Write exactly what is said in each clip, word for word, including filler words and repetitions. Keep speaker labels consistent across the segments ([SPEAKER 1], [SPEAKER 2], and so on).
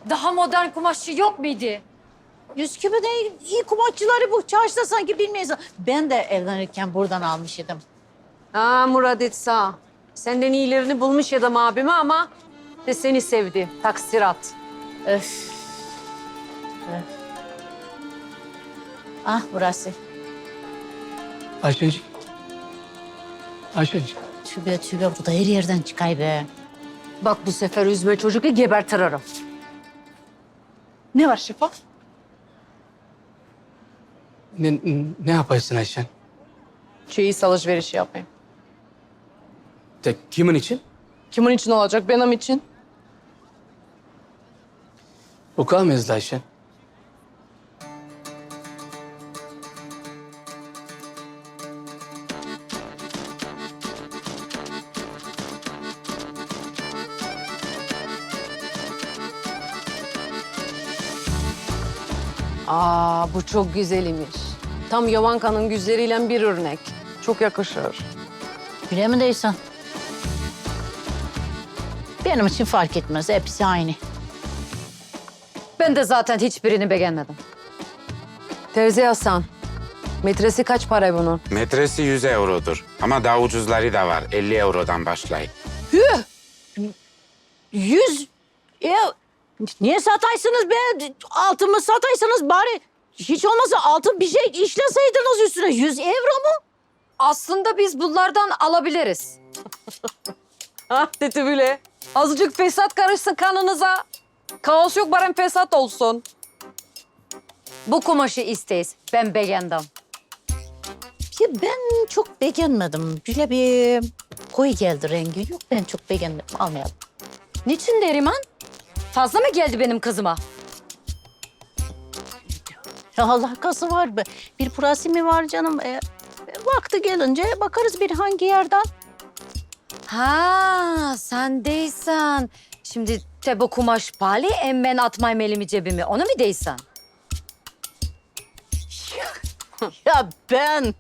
[SPEAKER 1] Daha modern kumaşçı yok muydu?
[SPEAKER 2] Üsküp'ün en iyi kumaşçıları bu. Çarşıda sanki bilmeyiz. Ben de evlenirken buradan almış idim.
[SPEAKER 3] Aa Murat etsa. Senden iyilerini bulmuş adam abime ama de seni sevdi. Taksirat.
[SPEAKER 2] Öf. Öf. Ah burası.
[SPEAKER 4] Ayşenciğim. Ayşenciğim.
[SPEAKER 2] Tübe tübe bu da her yerden çıkay be.
[SPEAKER 3] Bak bu sefer üzme çocuğu gebertirim.
[SPEAKER 5] Ne var Şefo?
[SPEAKER 4] Ne, ne yaparsın Ayşen?
[SPEAKER 5] Çeyiz alışverişi yapayım.
[SPEAKER 4] Tek kimin için?
[SPEAKER 5] Kimin için olacak? Benim için.
[SPEAKER 4] Okula mı yazdı Ayşen?
[SPEAKER 3] Aa bu çok güzel imiş. Tam Yovanka'nın güzleriyle bir örnek. Çok yakışır.
[SPEAKER 2] Bile mi değilsen? Benim için fark etmez. Hepsi aynı.
[SPEAKER 3] Ben de zaten hiçbirini beğenmedim. Terzi Hasan, metresi kaç para bunun?
[SPEAKER 6] Metresi yüz eurodur. Ama daha ucuzları da var. elli eurodan başlayıp.
[SPEAKER 2] Yüz. Ya, niye sataysınız be? Altımı sataysınız bari. Hiç olmazsa altın bir şey işleseydiniz üstüne. Yüz euro mu?
[SPEAKER 3] Aslında biz bunlardan alabiliriz. ah dedi bile. Azıcık fesat karışsın kanınıza. Kaos yok bari fesat olsun. Bu kumaşı isteyiz. Ben beğendim.
[SPEAKER 2] Ya ben çok beğenmedim. Böyle bir koyu geldi rengi. Yok ben çok beğenmedim. Almayalım.
[SPEAKER 1] Niçin Neriman? Fazla mı geldi benim kızıma?
[SPEAKER 2] Ya Allah kası var be. Bir pırası mı var canım? E, vakti gelince bakarız bir hangi yerden.
[SPEAKER 1] Ha, sen değilsen. Şimdi te bu kumaş pahalı, em ben atmayayım elimi cebimi. Onu mu değilsen?
[SPEAKER 2] Ya ben.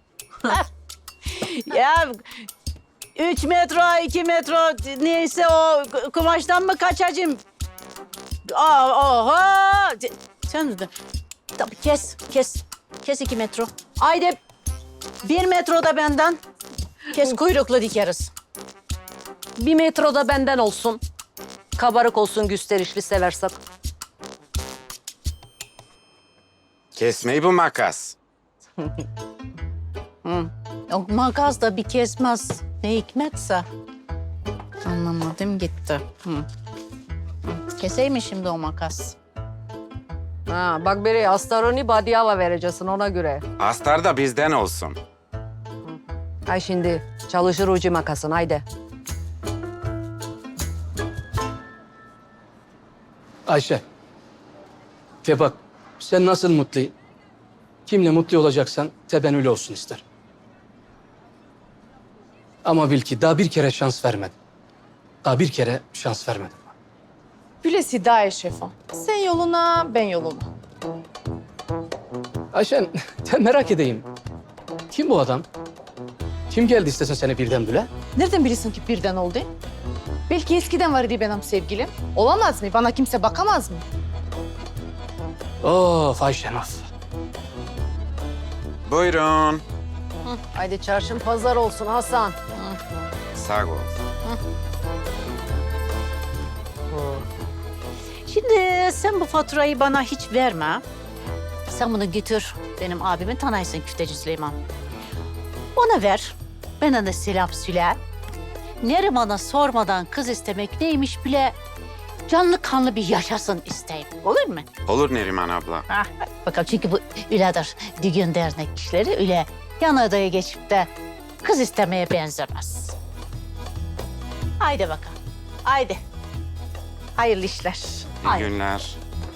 [SPEAKER 2] ya üç metro, iki metro neyse o kumaştan mı kaçacağım? Aa, oha! Sen de tabii kes, kes. Kes iki metro. Haydi bir metro da benden. Kes kuyruklu dikeriz.
[SPEAKER 3] Bir metro da benden olsun. Kabarık olsun, gösterişli seversek.
[SPEAKER 6] Kesmeyi bu makas.
[SPEAKER 2] O makas da bir kesmez. Ne hikmetse. Anlamadım gitti. Hı. Hı. Keseyim mi şimdi o makas?
[SPEAKER 3] Ha, bak biri Astaroni Badiava vereceksin ona göre.
[SPEAKER 6] Astar da bizden olsun.
[SPEAKER 3] Ay şimdi çalışır ucu makasın haydi.
[SPEAKER 4] Ayşe. Te bak, sen nasıl mutlu, kimle mutlu olacaksan te ben öyle olsun isterim. Ama bil ki daha bir kere şans vermedim. Daha bir kere şans vermedim.
[SPEAKER 5] Bülesi daha Şefo. Sen yoluna, ben yoluma.
[SPEAKER 4] Ayşen, te merak edeyim. Kim bu adam? Kim geldi istesin seni birden bile?
[SPEAKER 5] Nereden bilirsin ki birden oldu? Belki eskiden var idi benim sevgilim. Olamaz mı? Bana kimse bakamaz mı?
[SPEAKER 4] Of Ayşen of.
[SPEAKER 6] Buyurun.
[SPEAKER 3] Haydi çarşın pazar olsun Hasan.
[SPEAKER 6] Sağ ol.
[SPEAKER 2] Şimdi sen bu faturayı bana hiç verme. Sen bunu götür. Benim abimin tanıysın Küfteci Süleyman. Ona ver. Bana da selam söyle. Neriman'a sormadan kız istemek neymiş bile canlı kanlı bir yaşasın isteyim. Olur mu?
[SPEAKER 6] Olur Neriman abla.
[SPEAKER 2] Ah, bakalım çünkü bu öyledir. Düğün dernek kişileri öyle yan odaya geçip de kız istemeye benzemez. Haydi bakalım. Haydi. Hayırlı işler.
[SPEAKER 6] İyi
[SPEAKER 2] Haydi.
[SPEAKER 6] günler.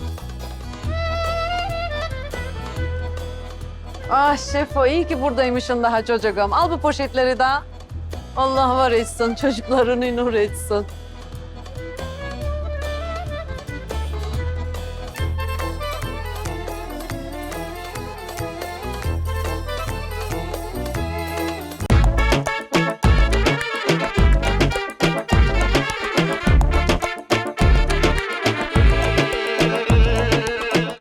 [SPEAKER 3] Ah Şefo iyi ki buradaymışsın daha çocuğum. Al bu poşetleri de. Allah var etsin, çocuklarını nur etsin.